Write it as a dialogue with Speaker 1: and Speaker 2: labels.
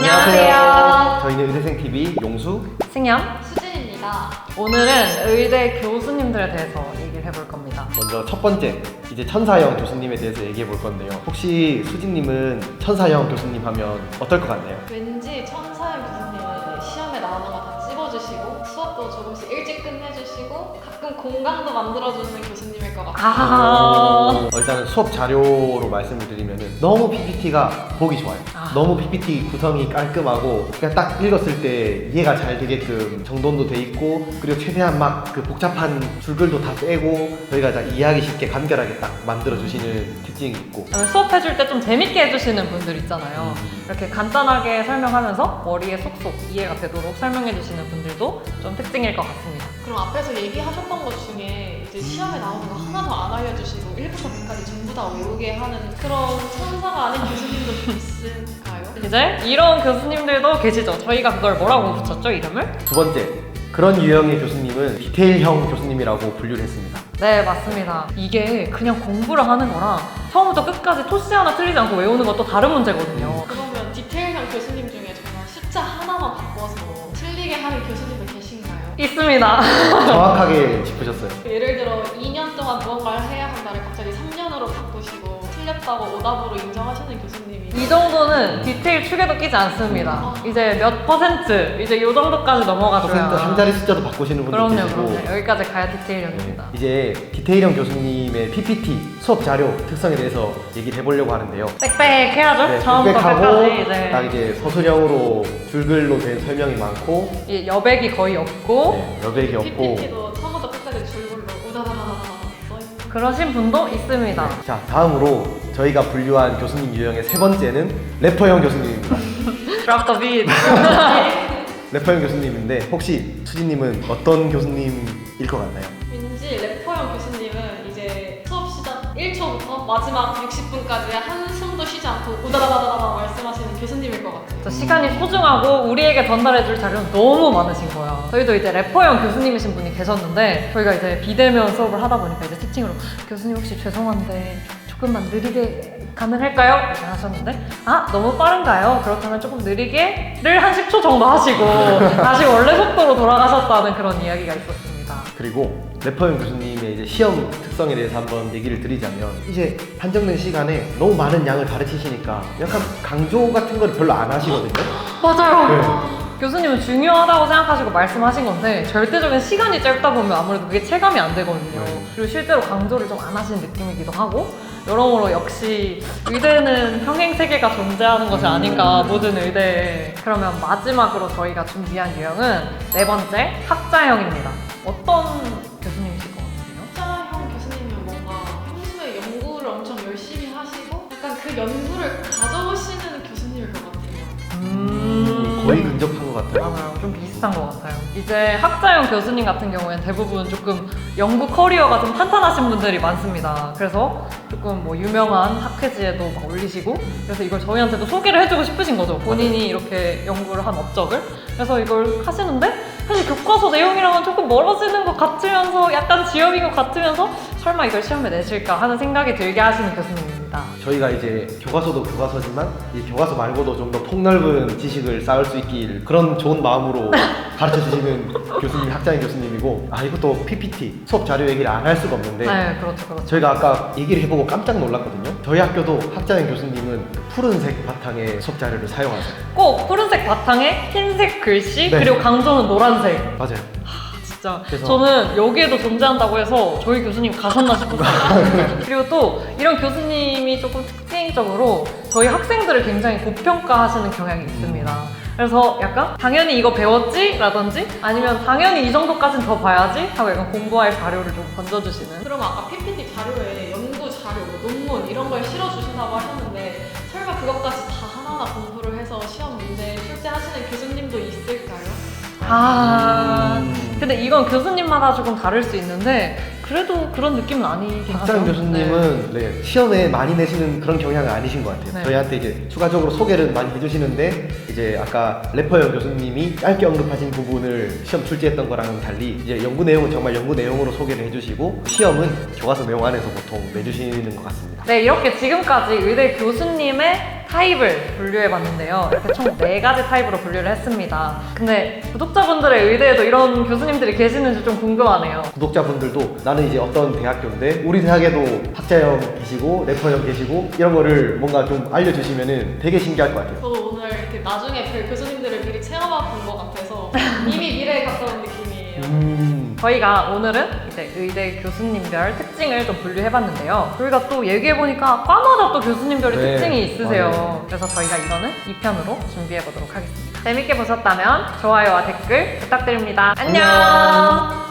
Speaker 1: 안녕하세요.
Speaker 2: 저희는 의대생TV 용수,
Speaker 1: 승현.
Speaker 3: 수진입니다.
Speaker 1: 오늘은 의대 교수님들에 대해서 얘기를 해볼 겁니다.
Speaker 2: 먼저 첫 번째 이제 천사형 교수님에 대해서 얘기해 볼 건데요. 혹시 수진님은 천사형 교수님 하면 어떨 것 같나요?
Speaker 3: 왠지 천사형 교수님은 시험에 나오는 거 다 찍어주시고 수업도 조금씩 일찍 끝내주시고 가끔 공강도 만들어주는 교수님일 것 같아요.
Speaker 2: 일단은 수업 자료로 말씀을 드리면은 너무 PPT가 보기 좋아요. 너무 PPT 구성이 깔끔하고 그냥 딱 읽었을 때 이해가 잘 되게끔 정돈도 돼 있고, 그리고 최대한 막 그 복잡한 줄글도 다 빼고 저희가 다 이해하기 쉽게 간결하게 딱 만들어 주시는 특징이 있고,
Speaker 1: 수업해줄 때 좀 재밌게 해주시는 분들 있잖아요. 이렇게 간단하게 설명하면서 머리에 쏙쏙 이해가 되도록 설명해주시는 분들도 좀 특징일 것 같습니다.
Speaker 3: 그럼 앞에서 얘기하셨던 것 중에 이제 시험에 나오는 거 하나도 안 알려주시고 1부터 100까지 전부 다 외우게 하는 그런 천사가 아닌 교수님도 있을까요?
Speaker 1: 이제 이런 교수님들도 계시죠. 저희가 그걸 뭐라고 붙였죠, 이름을?
Speaker 2: 두 번째, 그런 유형의 교수님은 디테일형 교수님이라고 분류를 했습니다.
Speaker 1: 네, 맞습니다. 이게 그냥 공부를 하는 거랑 처음부터 끝까지 토시 하나 틀리지 않고 외우는 것도 다른 문제거든요.
Speaker 3: 그러면 디테일형 교수님 중에 정말 숫자 하나만 바꿔서 틀리게 하는 교수님도 계신가요?
Speaker 1: 있습니다.
Speaker 2: 정확하게 짚으셨어요.
Speaker 3: 예를 들어 2년 동안 무언가를 해야 한다를 갑자기 3년으로 바꾸시고 틀렸다고 오답으로 인정하시는 교수님이
Speaker 1: 이 정도는 디테일 축에도 끼지 않습니다. 이제 몇 퍼센트, 이제 이 정도까지 넘어가줘야.
Speaker 2: 한 자리 숫자도 바꾸시는 분들
Speaker 1: 그럼요,
Speaker 2: 계시고.
Speaker 1: 그럼요. 여기까지 가야 디테일형입니다.
Speaker 2: 이제 디테일형 교수님의 PPT 수업 자료 특성에 대해서 얘기를 해보려고 하는데요.
Speaker 1: 빽빽해야죠.
Speaker 2: 네,
Speaker 1: 처음부터
Speaker 2: 빽빽하고
Speaker 1: 끝까지.
Speaker 2: 딱 이제 서술형으로 줄글로 된 설명이 많고,
Speaker 1: 이 여백이 거의 없고
Speaker 2: 네, 여백이 없고.
Speaker 3: PPT도 처음부터 끝까지 줄글로 우다다다다다 써있는
Speaker 1: 그러신 분도 있습니다.
Speaker 2: 자, 다음으로 저희가 분류한 교수님 유형의 세 번째는 래퍼형 교수님입니다.
Speaker 1: Drop the beat.
Speaker 2: 래퍼형 교수님인데 혹시 수진님은 어떤 교수님일 것 같나요?
Speaker 3: 왠지 래퍼형 교수님은 이제 수업 시작 1초부터 마지막 60분까지 한숨도 쉬지 않고 우다다다다다 말씀하시는 교수님일 것 같아요.
Speaker 1: 저 시간이 소중하고 우리에게 전달해줄 자료는 너무 많으신 거야. 저희도 이제 래퍼형 교수님이신 분이 계셨는데 저희가 이제 비대면 수업을 하다 보니까 이제 채팅으로 교수님 혹시 죄송한데 조금만 느리게 가능할까요? 이렇게 하셨는데 너무 빠른가요? 그렇다면 조금 느리게를 한 10초 정도 하시고 다시 원래 속도로 돌아가셨다는 그런 이야기가 있었습니다.
Speaker 2: 그리고 래퍼형 교수님의 이제 시험 특성에 대해서 한번 얘기를 드리자면, 이제 한정된 시간에 너무 많은 양을 가르치시니까 약간 강조 같은 걸 별로 안 하시거든요.
Speaker 1: 맞아요. 교수님은 중요하다고 생각하시고 말씀하신 건데 절대적인 시간이 짧다 보면 아무래도 그게 체감이 안 되거든요. 그리고 실제로 강조를 좀 안 하시는 느낌이기도 하고, 여러모로 역시 의대는 평행 세계가 존재하는 것이 아닌가, 모든 의대에. 그러면 마지막으로 저희가 준비한 유형은 네 번째, 학자형입니다. 어떤 교수님이실 것 같으세요?
Speaker 3: 학자형 교수님은 뭔가 평소에 연구를 엄청 열심히 하시고 약간 그 연구를 가져오시는 교수님일 것 같아요.
Speaker 2: 거의 근접한 것 같아요.
Speaker 1: 맞아요. 좀 비슷한 것 같아요. 이제 학자형 교수님 같은 경우에는 대부분 조금 연구 커리어가 좀 탄탄하신 분들이 많습니다. 그래서 조금 뭐 유명한 학회지에도 막 올리시고, 그래서 이걸 저희한테도 소개를 해주고 싶으신 거죠. 본인이 이렇게 연구를 한 업적을. 그래서 이걸 하시는데 사실 교과서 내용이랑은 조금 멀어지는 것 같으면서 약간 지엽인 것 같으면서 설마 이걸 시험에 내실까 하는 생각이 들게 하시는 교수님입니다.
Speaker 2: 저희가 이제 교과서도 교과서지만 이 교과서 말고도 좀 더 폭넓은 지식을 쌓을 수 있길, 그런 좋은 마음으로 가르쳐 주시는 교수님, 학자형 교수님이고, 이것도 PPT 수업 자료 얘기를 안 할 수가 없는데,
Speaker 1: 네, 그렇죠.
Speaker 2: 저희가 아까 얘기를 해보고 깜짝 놀랐거든요. 저희 학교도 학자형 교수님은 푸른색 바탕의 수업 자료를 사용하세요.
Speaker 1: 꼭 푸른색 바탕에 흰색 글씨,
Speaker 2: 네.
Speaker 1: 그리고 강조는 노란색.
Speaker 2: 맞아요.
Speaker 1: 진짜
Speaker 2: 그래서-
Speaker 1: 저는 여기에도 존재한다고 해서 저희 교수님 가셨나 싶었어요. 그리고 또 이런 교수님이 조금 특징적으로 저희 학생들을 굉장히 고평가하시는 경향이 있습니다. 그래서 약간 당연히 이거 배웠지? 라든지 아니면 당연히 이 정도까지는 더 봐야지? 하고 약간 공부할 자료를 좀 던져주시는.
Speaker 3: 그럼 아까 PPT 자료에 연구 자료, 논문 이런 걸 실어주신다고 하셨는데 설마 그것까지 다 하나하나 공부를 해서 시험 문제 출제하시는 교수님도 있을까요?
Speaker 1: 근데 이건 교수님마다 조금 다를 수 있는데 그래도 그런 느낌은 아니긴 하죠.
Speaker 2: 학자형 교수님은 네, 시험에 많이 내시는 그런 경향은 아니신 것 같아요.
Speaker 1: 네.
Speaker 2: 저희한테 이제 추가적으로 소개를 많이 해주시는데, 이제 아까 래퍼형 교수님이 짧게 언급하신 부분을 시험 출제했던 거랑은 달리 이제 연구 내용은 정말 연구 내용으로 소개를 해주시고, 시험은 교과서 내용 안에서 보통 내주시는 것 같습니다.
Speaker 1: 네, 이렇게 지금까지 의대 교수님의 타입을 분류해봤는데요. 이렇게 총 4가지 타입으로 분류를 했습니다. 근데 구독자분들의 의대에도 이런 교수님들이 계시는지 좀 궁금하네요.
Speaker 2: 구독자분들도 나는 이제 어떤 대학교인데 우리 대학에도 학자형 계시고 래퍼형 계시고 이런 거를 뭔가 좀 알려주시면은 되게 신기할 것 같아요.
Speaker 3: 저도 오늘 이렇게 나중에 뵐 교수님들을 미리 체험해 본 것 같아서 이미 미래에 가까운 느낌이에요.
Speaker 1: 저희가 오늘은 이제 의대 교수님별 특징을 좀 분류해봤는데요. 저희가 또 얘기해보니까 과마다 또 교수님별의
Speaker 2: 네,
Speaker 1: 특징이 있으세요.
Speaker 2: 맞아요.
Speaker 1: 그래서 저희가 이거는 2편으로 준비해보도록 하겠습니다. 재밌게 보셨다면 좋아요와 댓글 부탁드립니다. 안녕!